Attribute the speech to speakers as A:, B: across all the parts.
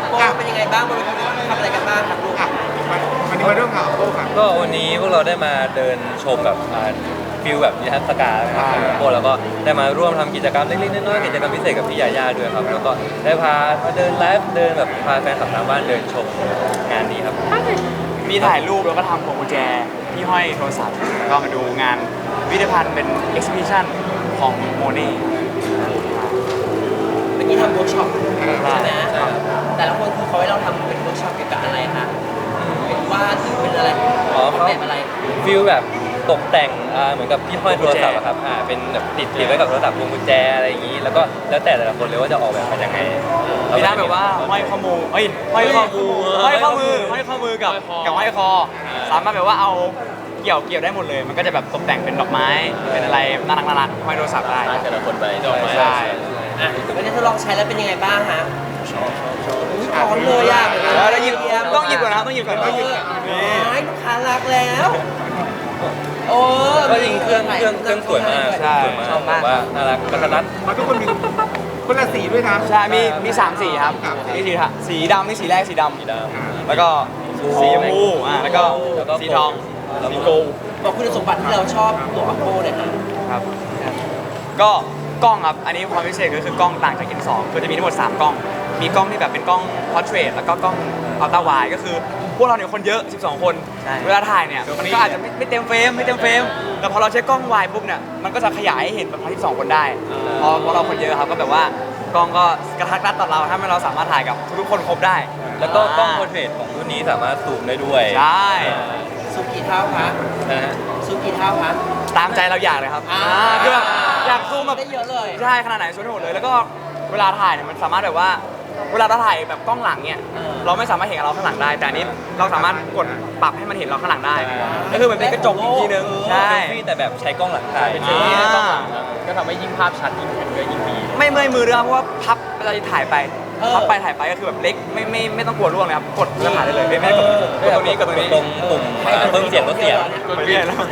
A: โบเป็นยังไงบ้างบนเวทีทำอะไรกันบ้างครับลูก
B: วันนี้มาเรื่องข่าวโต้ครับ
C: ก็วันนี้พวกเราได้มาเดินชมแบบฟิลแบบนิทรรศการนะครับพวกเราก็ได้มาร่วมทำกิจกรรมเล็กๆน้อยๆกิจกรรมพิเศษกับพี่ยาย่าด้วยครับแล้วก็ได้พามาเดินไลฟ์เดินแบบพาแฟนคลับทางบ้านเดินชมงานนี้ครับ
D: มีถ่ายรูปแล้วก็ทำพวงกุญแจที่ห้อยโทรศัพท์แล้วก็มาดูงานพิพิธภัณฑ์เป็น exhibition ของโมเน่
A: เมื่อกี้ทำเวิร์กช็อปใช่ไหมแต่ละคนคือเขาให้เราทำเป็นเวิร์กช็อปเกี่ยวกับอะไรคะเป็นวาดหรือเป็นอะไรแบบอะไร
C: ฟิลแบบตกแต่งเหมือนกับที่ห้อยโทรศัพท์ครับเป็นแบบติดไว้กับโทรศัพท์พวงกุญแจอะไรอย่างนี้แล้วก็แล้วแต่ละคนเลยว่าจะออกแบบมายังไง
D: มีด้านแบบว่าห้อยข้อมือห้อยข้อมือกับห้อยคอสามารถแบบว่าเอาเกี่ยวได้หมดเลยมันก็จะแบบตกแต่งเป็นดอกไม้เป็นอะไรน่ารักห้อยโทรศัพท์ได้
C: แต่ละคนไปดอกไม้
D: ใช่
A: วันนี้ทดลองใช้แล้วเป็นยังไงบ้างฮะร้อนเลยอ่ะ
D: ต้องหยิบก่อนนะต้องหยิบก่อนนี่
A: ลูกค้ารักแล้วโอ้
C: ก็จริงเครื่องสวยมากชอบมากว่าน่ารักกระดัด
B: มันทุกคนมีคนละสีด้วยนะ
D: ใช่มี3สีครับนี่สีดำนี่สีแรกสีดำแล้วก็สีชมพูแล้วก็สีทองสีโกล
A: บอกคุณสมบัติที่เราชอบตัวอัปโปเลย
D: ครับก็กล้องครับอันนี้ความพิเศษก็คือกล้องต่างจาก N2 คือจะมีทั้งหมด3กล้องมีกล้องที่แบบเป็นกล้อง portrait แล้วก็กล้อง ultra wide ก็คือพวกเราเนี่ยคนเยอะ12คนเวลาถ่ายเนี่ยมันก็อาจจะไม่เต็มเฟรมแต่พอเราใช้กล้อง wide ปุ๊บเนี่ยมันก็จะขยายให้เห็นแบบทั้ง12คนได้พอเราคนเยอะครับก็แบบว่ากล้องก็กระทัดรัดต่อเราถ้าเราสามารถถ่ายกับทุกคนครบได้
C: แล้วก็กล้อง portrait ของรุ่นนี้สามารถซูมได้ด้วย
D: ใช่
A: ซูมกี่เท่าคะซูมกี่เท่าคะ
D: ตามใจเราอยากเลยครับคือแบบอยากซูมแบบ
A: ได้เยอะเลย
D: ใช่ขนาดไหนซูมได้หมดเลยแล้วก็เวลาถ่ายเนี่ยมันสามารถแบบว่าเวลาเราถ่ายแบบกล้องหลังเนี่ยเราไม่สามารถเห็นเราข้างหลังได้แต่อันนี้เราสามารถกดปรับให้มันเห็นเราข้างหลังได้ก็คือมันเป็นกระจกอีกทีนึงใช่
C: แต่แบบใช้กล้องหลังถ่ายเป็นที่กล้องหลังก็ทำให้ยิ่งภาพชัดยิ่งเห็นก็ยิ่งดี
D: ไม่เมื่อยมือด้วยเพราะว่าพับเวลาถ่ายไปถ่ายไปก็คือแบบเล็กไม่ต้องกลัวร่วงเลยครับกดแล้วถ่ายได้เลยไม่กดตรงนี้กดตรงนี้
C: ตรงปุ่มเพิ่มเสียงลดเสียง
D: กดเปลี่ยนแล้ว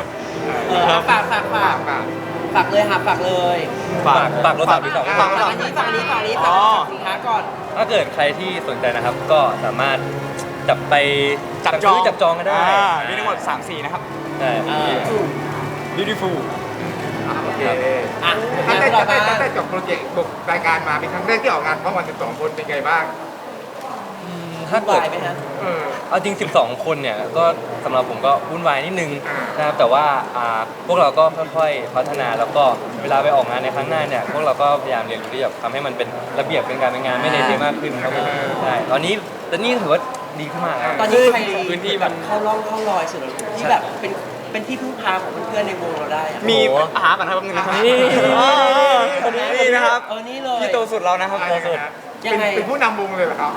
A: ฝากเลยค่ะฝากเลย
C: ฝากรถฝากที่สอง
A: ฝากอันนี้ฝากสินค้าก่อน
C: ถ้าเกิดใครที่สนใจนะครับก็สามารถจับจองก็ได้
D: มีทั้งหมด3 สีนะครับ
C: ใช่
D: beautiful
B: โอเคตั้งแต่จบโปรเจกต์รายการมาเป็นครั้งแรกที่ออกงานพร้อมกัน12คนเป็นไงบ้าง
C: ถ้าเกิดเอาจริง12คนเนี่ยก็สำหรับผมก็วุ่นวายนิดนึงนะครับแต่ว่าพวกเราก็ค่อยๆพัฒนาแล้วก็เวลาไปออกงานในครั้งหน้าเนี่ยพวกเราก็พยายามเรียนรู้ที่จะทำให้มันเป็นระเบียบเป็นการเป็นงานไม่เละเทะมากขึ้นครับผมใช่ตอนนี้ถือว่าดีขึ้นมาก
A: ตอนนี้ใครพื้นที่แบบเข้ารอยสุดที่แบบเป็นที่พึ่งพาของเพื่อนในวงเราได้
D: มีอาหารก่อนครับแป๊บนึงนะครับนี่นะครับ
A: นี่เลย
D: ที่โตสุดเรานะครับโตสุด
A: ยังไง
B: เป็นผู้นำวงเลยเหรอครับ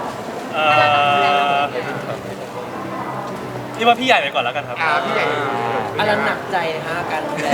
E: นี่ว่าพี่ใหญ่ไปก่อนแล้วกันครับ
B: พี่ใหญ่
A: อะไรหนักใจนะฮะการดูแล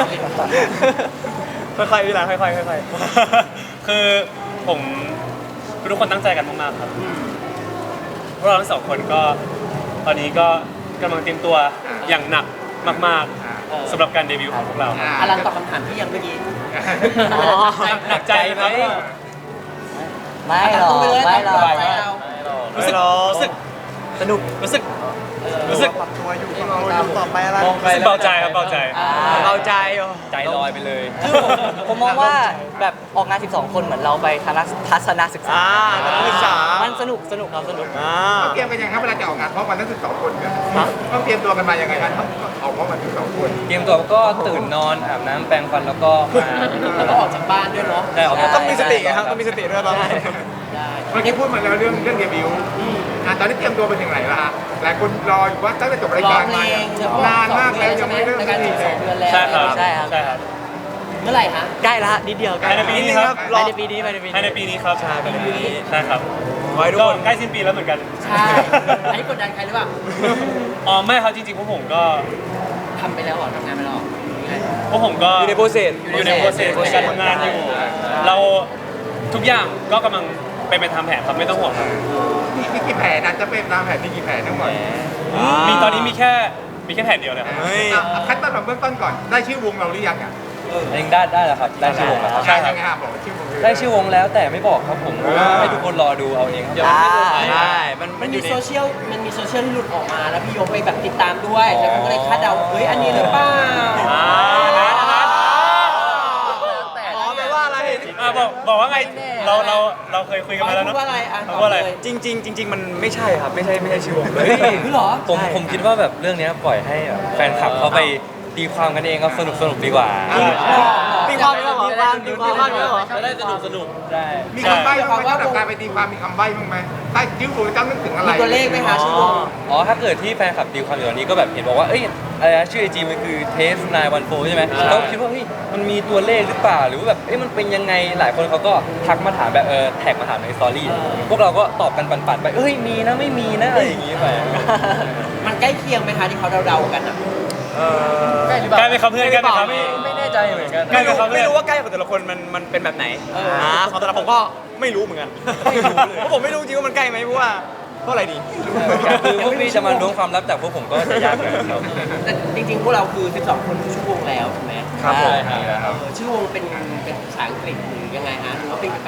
D: ค่อยๆพี่หลานค่อย
E: ๆคือผมทุกคนตั้งใจกันมากๆครับพวกเราทั้ง2คนก็ตอนนี้ก็กำลังเตรียมตัวอย่างหนักมากๆสำหรับการเดบิวต์ของพวกเรา
A: อลันตอบคำถามที่ยังเมื่อกี้
E: หนักใจครับ
A: ไม่หรอก
E: รู้สึก
D: สนุก
E: รู้สึก
D: ปรับตัวอยู่ต่อไปอะไร
E: เบาใจครับเบาใจ
C: ใจลอยไปเลย
F: คือผมมองว่าแบบออกงาน12คนเหมือนเราไปทัศนศึกษามันสนุกครับสนุก
B: เตรียมกันยังครับเวลาจะออกงานพร้อมกันทั้ง12คนเนี่ยต้องเตรียมตัวกันมายังไงครับออกพร้อมกัน12คน
C: เตรียมตัวก็ตื่นนอนอาบน้ำแปรงฟันแล้วก็
A: ออกจากบ้านด้วยเนาะ
D: ต้องมีสติครับต้องมีสติด้วยตอนนี้
B: เมื่อกี้พูดมาแล้วเรื่องเดบิวต์ตอนนี้เตรียมตัวเป็นอย่างไรล่ะหลายคนรออยู่ว่าตั้งแต่จบรายการมานานมากแล้วยังไม่เริ่มสักทีเลย
E: ใช่ครับ
A: เมื่อไหร่ฮะ
F: ใกล้ละนิดเดียว
E: ภายในปีนี้ครับ
F: ภายในปีนี้
E: ครับใช่ครับก็ใกล้สิ้นปีแล้วเหมือนกัน
A: ใช่อันนี้กดดันใครหรือเปล่า
E: ไม่ครับจริงๆพวกผมก็
A: ทำไปแล้วทำงานไปแล้ว
E: พวกผมก็
D: อยู่ในโปรเซส
E: ในการทำงานอยู่เราทุกอย่างก็กำลังไปทำแผนครับไม่ต้องห่วงครับ
B: มีกี่แผนนะจะเป็นตามแผนมีกี่แผนทั้งหมด
E: มีตอนนี้มีแค่แผนเดียวเลยครับ
B: ขั้นตอนเบื้องต้นก่อนได้ชื่อวงเราหรือยังอ่ะ
C: อันนี้ได้แล้วครับได้ชื่อวงแล้วครับ
B: ใช่ยังไงครับบอกชื่อวงเลย
C: ได้ชื่อวงแล้วแต่ไม่บอกครับผมให้ทุกคนรอดูเอาเองครับ
D: ใช่มัน
A: มัน
D: อ
A: มี
D: ยู่ใน
A: โซเชียลที่หลุดออกมาแล้วพี่ยงไปแบบติดตามด้วยแล้วก็เลยคาดเดาเฮ้ยอันนี้หรือเปล่า
D: อ๋อแปลว่าอะไร
E: บอกว่าไงเราเคยคุยกันมาแล้ว
A: พู
E: เนาะ
A: ดว่าอะไรอ่ะ
E: พูดว่าอะไร
D: จริง ๆ มันไม่ใช่ครับ ไม่ใช่ชื่อวงเลย
A: คือเหรอ
C: ผมคิดว่าแบบเรื่องเนี้ยปล่อยให้แบบแฟนคลับเขาไปตีความกันเองครับสนุกดีกว่า
D: ตีความได้เหรอตีความได้เหรอ
C: จะได้สนุกได้
B: มีคำใบ้บ้างไหมสำหรับการไปตีความมีคำใบ้บ้างไหมใต้ชื่อวงต้องนึกถึงอะไร
A: มีตัวเลขไหมคะชื่อวง
C: อ๋อถ้าเกิดที่แฟนคลับตีความอยู่ตอนนี้ก็แบบเห็นบอกว่าเอ้ยอะไรนะชื่อไอจีมันคือเทส914ใช่ไหมเขาคิดว่าเฮ้ยมันมีตัวเลขหรือเปล่าหรือว่าแบบเอ้ยมันเป็นยังไงหลายคนเขาก็ทักมาถามแบบแท็กมาถามในสตอรี่พวกเราก็ตอบกันปั่นๆไปเอ้ยมีนะไม่มีนะอะไรอย่างงี้ไป
A: มันใกล้เคียงไหมคะที่เขาเดาๆกันอ่ะ
C: ใกล้หรือเป
E: ใกล้
C: ล่า
E: ไหมครับเพื่อนใกล้ไหมครับ
C: ไม่แน่ใจเหมือนกัน
E: ใกล้ไหมครับ
D: ไม่รู้ว่าใกล้ของแต่ละคนมันเป็นแบบไหนของแต่ละผมก็ไม่รู้เหมือนกันเพราะผมไม่รู้จริงว่ามันใกล้ไหมเพราะว่าเท่าไหร่ดี
C: คือพวกพี่จะมาล้วงความลับจากพวกผมก็จะยากเหมือนกันครับ
A: แต่จริงๆพวกเราคือ 12 คนชื่อวงแล้วถูกไหม
C: ครับผมครับ
A: ชื่อวงเป็นภาษาอังกฤษหรือยังไงฮะหรือว่าเป็นกับ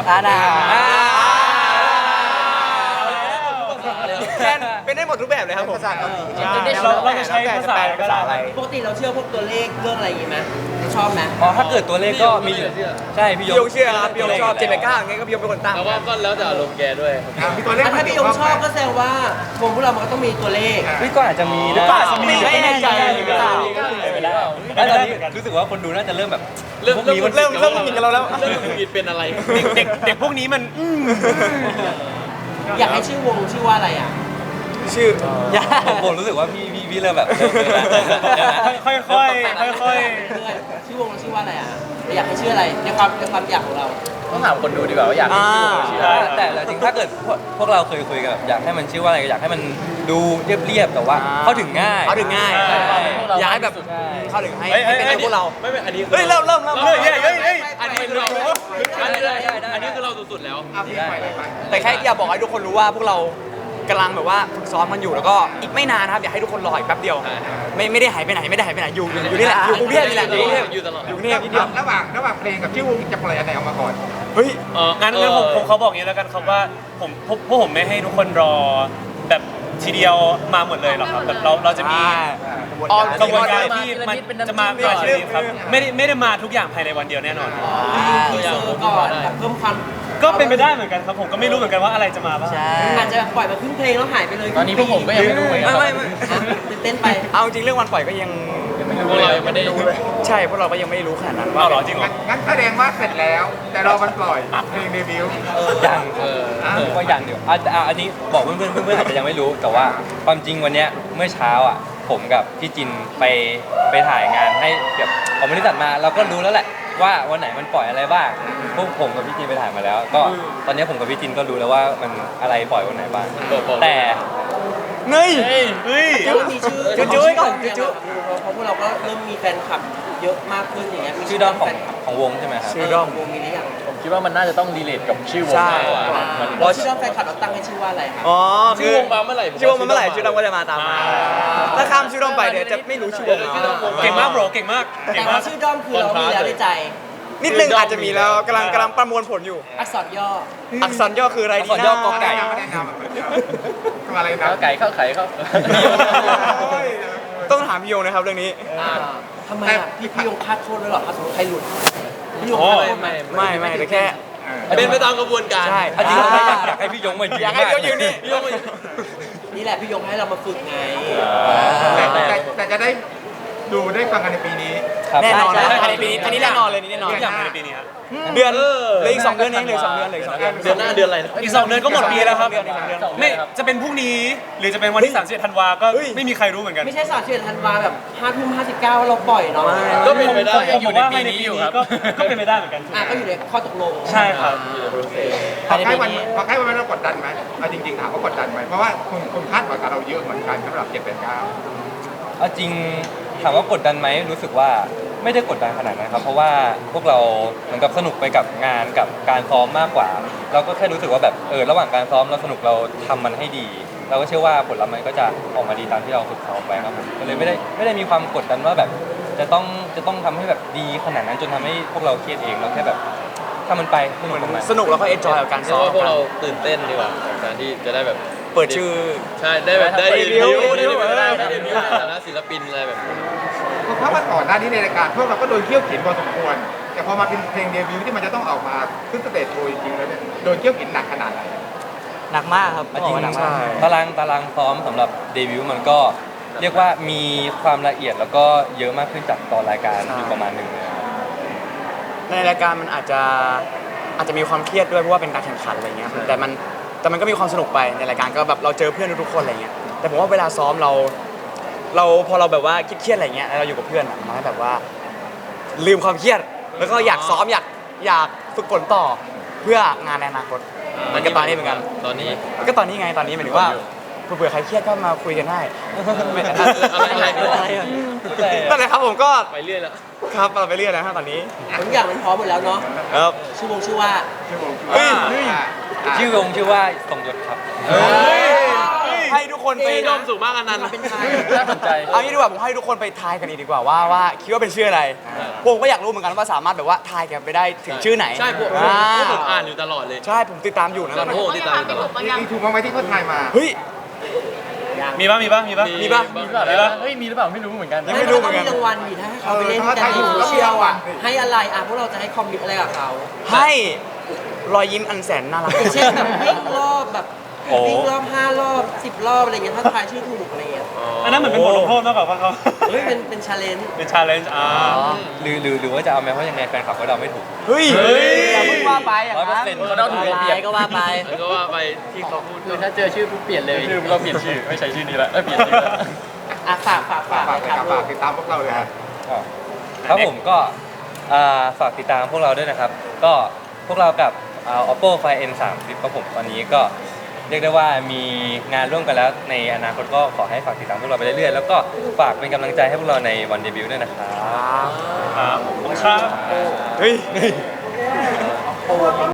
D: แทนเป็นได้หมดทุกแบบเลยครับผม
B: ภาษาเกาหลี
E: เราจะใช้ภาษาก็ได้
D: อะไร
A: ปกติเราเชื่อพวกตัวเลขเรื่องอะไรอย่างงี้ไหมชอบไหม
C: อ๋อถ้าเกิดตัวเลขก็มีอยู่ใช่พี่
D: พี่ยงเชื่อครับพี่ยงชอบ789อย่างเงี้ยก็พี่ยงเป็นคนตั้ง
C: แล้วก็แล้วแต่อารมณ์แกด้วย
B: มีตัวเลข
A: ถ้าพี่ยงชอบก็แสดงว่าวงพวกเรามันก็ต้องมีตัวเลข
C: พี่ก็อาจจะมีนะ
D: ก็อาจจะมีไม่แน่ใจหรือเปล่า
C: แล้วตอนนี้รู้สึกว่าคนดูน่าจะเริ่มแบบ
D: เริ่มหงิดกันเราแล้ว
E: เด็กพวกนี้มัน
A: อยากให้ชื่อวงชื่อว่าอะไรอ่ะ
D: ชื่อ
C: ผมรู้สึกว่าพี่เริ่มแบบ
E: ค่อยๆค่อย
A: เรื่อยๆชื่อวงเราชื่อว่าอะไรอ่ะอยากให้ชื่ออะไรในความอยากของเรา
C: ต้องถามคนดูดีกว่าว่าอยากให้ชื่อวงชื่ออะไร
E: อ่า
C: แต่จริงถ้าเกิดพวกเราเคยคุยกันแบบอยากให้มันชื่อว่าอะไรอยากให้มันดูเรียบๆแต่ว่าเข้าถึงง่าย
D: เขาถึงง่าย
C: ใช่
D: อยากให้แบบ
C: ใช่
D: เข้าถึงให้เป็นพวกเรา
C: ไม่อันนี้
D: เฮ้ยเริ่ม
E: ๆเฮ้ยเฮ้ย
D: อันนี้คือเรา
C: อันนี้คือเราสุดๆแล้ว
B: เอาพี่ไปเลยไป
D: แต่แค่อยากบอกให้ทุกคนรู้ว่าพวกเรากำลังแบบว่าฝึกซ้อมมันอยู่แล้วก็อีกไม่นานนะครับอยากให้ทุกคนรออีกแป๊บเดียวไม่ได้หายไปไหนอยู่นี่แหละอยู่กรุงเทพนี่แหละอยู่กรุงเทพอยู่กรุงเทพนิดเดียว
B: ระหว่างเพลงกับชื่อวงจะปล่อยอันไหนออกมาก่อน
D: เฮ้ย
E: งั้นผมเขาบอกอย่างนี้แล้วกันครับว่าพวกผมไม่ให้ทุกคนรอแบบทีเดียวมาหมดเลยหรอกครับแบบเราจะมี กระบวนการที่มันจะมาก่อนทีนี้ครับไม่ได้มาทุกอย่างภายในวันเดียวแน่นอน
A: ทีเซอร์ก่อนแบบเพิ่มความ
E: ก็เป็นไปได้เหมือนกันครับผมก็ไม่รู้เหมือนกันว่าอะไรจะมาบ้าง
A: อาจจะปล่อยมาครึ่งเพลงแล้วหายไปเลย
C: ตอนนี้พวกผมก็ยังไม่รู้เหมือนกัน
D: ไม่
A: ตื่นเต้นไป
D: เอาจริงเรื่องวันปล่อยก็ยัง
C: พวกเรายังไม่ได้ดูเลย
D: ใช่พวกเราก็ยังไม่รู้ขนาดนั้น
E: เอาเหรอจริงเหรอ
B: งั้นแสดงว่าเสร็จแล้ว แต่เรามันปล่อยเพลงเดบิวต์
C: ยังว่าอย่างเดียวอันนี้บอกเพื่อนอาจจะยังไม่รู้แต่ว่าความจริงวันเนี้ยเมื่อเช้าอ่ะผมกับพี่จินไปถ่ายงานให้แบบของบริษัทมาเราก็รู้แล้วแหละว่าวันไหนมันปล่อยอะไรบ้างพวกผมกับพี่จินไปถ่ายมาแล้ว ก็ตอนนี้ผมกับพี่จินก็รู้แล้วว่ามันอะไรปล่อยวันไหนบ้างแต่
D: เงย
E: เฮ้ย
A: แล้วมันมีชื่อ
D: จุ๊ยก่อนจุ๊ย
A: เพราะพวกเราก็เริ่มมีแฟนคลับเยอะมากขึ้นอย่างเงี้ยมี
C: ชื่อด้อม
A: แฟนคลับ
C: ของวงใช่ไหมครับ
D: ชื่อด้อม
A: วงมีหรือยัง
C: ผมคิดว่ามันน่าจะต้องรีเลทกับชื่อวง
D: ใช่
C: มากกว่า
A: เราชื่อด้อมแฟนคลับเราตั้งให้ชื่อว่าอะไรครับ
D: อ๋อ
C: ชื่อวงมาเมื่อไหร่
D: ชื่อวงมาเมื่อไหร่ชื่อด้อมก็จะมาตามมาถ้าข้ามชื่อด้อมไปเดี๋ยวจะไม่รู้ชื่อวงแล้ว
E: เก่งมากโบรเก่งมาก
A: แต่ว่าชื่อด้อมคือเรามีแล้วในใจ
D: นิดนึงอาจจะมีแล้วกำลังประมวลผลอยู่
A: อักษรย่อ
D: อักษรย่อคืออะไรดี
C: อักษรย่อกอไก่
B: ไม่ได้นำคืออะไรนะ
C: ไก่เข้าไข่เข้า
D: ต้องถามพี่โยงนะครับเรื่องนี้
A: ทำไมอ่ะพี่ยงคาดโทษด้วยเหรอถ้าสมมติใครหลุดพี่ยง
E: โอ้
A: คาดโทษไหม
D: ไม่แต่แค่
C: เป็นไปตามกระบวนการ
D: ใช่
C: จริงๆอยากให้พี่ยงมายืน
D: อยากให้พี่ยงยืนนี่
C: พี่ยงมายืน
A: นี่แหละพี่ยงให้เรามาฝึกไง
B: แต่จะได้ดูได้ฟังกันในปีนี้
C: ครับ
D: แน่นอน
C: ใช่
D: ภายในปีนี้อันนี้แน่นอนเลยนี่แน่นอน
E: ทุกอย่างภายในปีนี้ครับ
D: เดือนเหลืออีก2 เดือนเองเหลืออก2 เดือนเหลืออีก2 เดือน
C: เดือนหน้าเดือนอะไร
E: อีก2 เดือนก็หมดปีแล้วครับ
D: เดือนอีก2 เดือน
E: ไม่จะเป็นพรุ่งนี้หรือจะเป็นวันที่31ธันวาก็
D: เฮ้ย
E: ไม่มีใครรู้เหมือนกัน
A: ไม่ใช่31ธันวาแบบ5:59เราปล่อยเนาะ
C: ก็เป็นไปได้
E: ผมบอกว่าภายในปีนี้ก็เป็นไปได้เหมือนกัน
A: ก็อยู่ในข้อตกลง
E: ใช่ครับ
B: พอใกล้วันเรากดดันไหมเอาจริงๆถามว่ากดดันไหมเพราะว่าคุณคาดหวังกับเราเยอะเหมือนกันสำหรับ7-8-9
C: เอาจริงถามว่ากดดันไหมรู้สึกว่าไม่ได้กดดันขนาดนั้นครับเพราะว่าพวกเราเหมือนกับสนุกไปกับงานกับการซ้อมมากกว่า เราก็แค่รู้สึกว่าแบบระหว่างการซ้อมเราสนุกเราทำมันให้ดี เราก็เชื่อว่าผลลัพธ์มันก็จะออกมาดีตามที่เราฝึกซ้อมไปครับผมก็เลยไม่ได้มีความกดดันว่าแบบจะต้องทำให้แบบดีขนาดนั้นจนทำให้พวกเราเครียดเองเราแค่แบบถ้ามันไปสนุกกับมัน
D: สนุกแล้วก็เอนจอยกับการ
G: เรี
D: ซ้
G: ย
D: อก ม
G: ว่าพวกเราตื่นเต้นดีกว่ากับการที่จะได้แบบ
D: เปิดชื่อ
G: ใช่ได้แบบได้
D: เดบิวต์
G: ได้
D: เดบิวต์
G: ได้เดบิวต์ในฐานะศิลปินอะไรแบบนี้
B: เพราะว่าก่อนหน้านี้ในรายการพวกเราก็โดนเขี่ยวเข็นพอสมควร แต่พอมาเป็นเพลงเดบิวต์ที่มันจะต้องออกมาขึ้นสเตจโชว์จริงๆแล้วเนี่ยโดนเขี่ยวเข็นหนักขนาดไหน
F: หนักมากครับ
C: จริง
F: บอกว่าหนักมาก
C: ตารางซ้อมสำหรับเดบิวต์มันก็เรียกว่ามีความละเอียดแล้วก็เยอะมากขึ้นจากตอนรายการอยู่ประมาณหนึ่งเลยครับ
D: ในรายการมันอาจจะมีความเครียดด้วยเพราะว่าเป็นการแข่งขันอะไรเงี้ยแต่มันก็มีความสนุกไปในรายการก็แบบเราเจอเพื่อนทุกๆคนอะไรเงี้ยแต่ผมว่าเวลาซ้อมเราพอเราแบบว่าเครียดๆอะไรเงี้ยแล้วเราอยู่กับเพื่อนอะมันให้แบบว่าลืมความเครียดแล้วก็อยากซ้อมอยากฝึกฝนต่อเพื่องานในอนาคตมันก็ตอนนี้เหมือนกัน
G: ตอนนี้
D: ก็ตอนนี้ไงตอนนี้หมายถึงว่าเผื่อใครเครียดก็มาคุยกันได้
G: อะไร
D: นั่นแหละครับผมก็
G: ไปเรื่อยแล้ว
D: ครับเราไปเรื่อยนะฮะตอนนี้
A: ทุกอย่างมันพร้อมหมดแล้วเนาะ
D: ครับ
A: ชื่อว่า
D: เฮ้ย
C: ชื่อวงชื่อว่าสมยศครับ
D: ให้ทุกคนไป
G: ร่มสูงมากอันนั้น
A: เป็นใคร
C: น่าสนใจ
D: เอางี้ดีกว่าผมให้ทุกคนไปทายกันดีกว่าว่าคิดว่าเป็นชื่ออะไรผมก็อยากรู้เหมือนกันว่าสามารถแบบว่าทายกันไปได้ถึงชื่อไหน
G: ใช่ผม
D: อ่า
G: อ่านอยู่ตลอดเลย
D: ใช่ผมติดตามอยู่นะตอน
G: โอ้
D: นี้
G: โหติดตามอยู่ตลอด
B: มีถูกมาไหมที่เขาทายมา
D: เฮ้ย
E: มีป่ะ
D: มีป่ะ
E: มีป่ะ
C: มีหรือเปล่าเฮ้ยมีหรือเปล่าไม่รู้เหมือนกัน
D: ยังไม่รู้เหมือนกัน
A: มีรางวัลอยู่ถ้าให้เขาไปเล่น
B: เออ
A: กันใน
B: ถ้า
A: โซ
B: เขา
A: เชียล
B: อ่ะ
A: อ่ะให้อะไรอ่ะพวกเราจะให้คอมมิตอะไรกับเขา
D: ให้รอยยิ้มอันแสนน่ารัก
A: อย่างเช่นแบบวิ่งรอบแบบ
C: โอ้
A: วิ่งรอบ5 รอบ 10 รอบอะไรเงี้ยถ้าทายชื่อถูกอะไรเงี้ย
E: อันนั้นเหมือนเป็นบทลงโทษมากกว่าป่ะเขา
A: เฮ้ยเป็นชาเลนจ์
E: เป็นชาเลนจ์
C: หรือว่าจะเอาแม้เพราะยังไงแฟนคลับก็เดาไม่ถูก
D: เฮ้ย
E: เฮ้ย
D: อย่าเพิ่งว่าไปอย่างนั้น
C: 100%เขาเดาถูกเราเปลี่ยน
F: ก็ว่าไป
G: แล้วก็ว่าไปที่เขาพูด
C: คือถ้าเจอชื่อปุ๊บเปลี่ยนเลยชื่อเราเปลี่ยนชื่อไม่ใช่ชื่อนี้ละเปลี่ยนชื่อละ
A: อ่ะฝาก
B: ฝาก
A: นะ
B: เลย
A: ค
B: ค
A: รั
B: รั
A: บบ
B: ฝากติดตามพวกเราเลยครับ
C: ครับผมก็ฝากติดตามพวกเราด้วยนะครับ ก็พวกเรากับOppo Find N3 Flip ครับผมตอนนี้ก็เรียกได้ว่ามีงานร่วมกันแล้วในอนาคตก็ขอให้ฝากติดตามพวกเราไปเรื่อยๆแล้วก็ฝากเป็นกำลังใจให้พวกเราในวันเดบิวต์ด้วยนะครับ
E: ครับผมครับ
D: เฮ้ย